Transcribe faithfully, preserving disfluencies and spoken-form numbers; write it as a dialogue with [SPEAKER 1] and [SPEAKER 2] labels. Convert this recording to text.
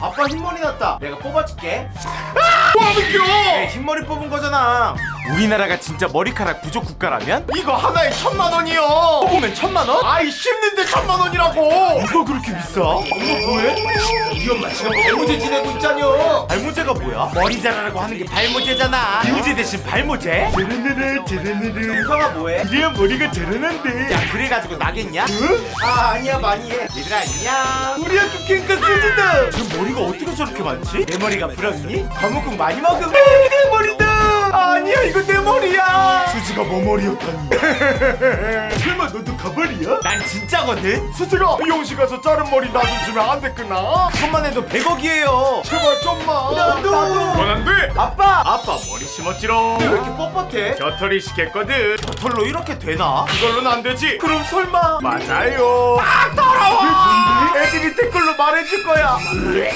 [SPEAKER 1] 아빠 흰머리 났다. 내가 뽑아줄게.
[SPEAKER 2] 뭐하는겨?
[SPEAKER 1] 내 흰머리 뽑은 거잖아. 우리나라가 진짜 머리카락 부족 국가라면?
[SPEAKER 2] 이거 하나에 천만 원이요.
[SPEAKER 1] 뽑으면 천만 원?
[SPEAKER 2] 아이 씹는데 천만 원이라고.
[SPEAKER 1] 이거 그렇게 비싸?
[SPEAKER 2] 엄마 뭐해? 우리 엄마 지금 발모제 지내고 있잖여.
[SPEAKER 1] 발모제가 뭐야? 머리 자라라고 하는 게 발모제잖아. 비우제 대신 발모제?
[SPEAKER 2] 제르르르 제르르르.
[SPEAKER 1] 윤성아 뭐해?
[SPEAKER 2] 그래야 머리가 자라난데.
[SPEAKER 1] 야 그래가지고 나겠냐?
[SPEAKER 2] 응?
[SPEAKER 1] 아 아니야 많이 해. 얘들아 안녕.
[SPEAKER 2] 우리 학교 캔가 쓰는다.
[SPEAKER 1] 저 머리가 어떻게 저렇게 많지? 내 머리가 부럽니? 거무국 많이 먹음.
[SPEAKER 2] 내 머리다. 아니야 이거 내 머리야.
[SPEAKER 1] 수지가 뭐 머리였다니.
[SPEAKER 2] 설마 너도 가발이야?
[SPEAKER 1] 난 진짜거든?
[SPEAKER 2] 수지가 미용실 가서 자른 머리 나 좀 주면 안 됐구나.
[SPEAKER 1] 그것만 해도 백억이에요.
[SPEAKER 2] 제발 좀만.
[SPEAKER 1] 나도.
[SPEAKER 2] 원안 돼.
[SPEAKER 1] 아빠!
[SPEAKER 2] 아빠 머리 심었지롱.
[SPEAKER 1] 왜 이렇게 뻣뻣해?
[SPEAKER 2] 겨털이 시켰거든.
[SPEAKER 1] 털로 이렇게 되나?
[SPEAKER 2] 그걸로는 안 되지.
[SPEAKER 1] 그럼 설마
[SPEAKER 2] 맞아요. 아 더러워. 애들이 댓글로 말해줄 거야.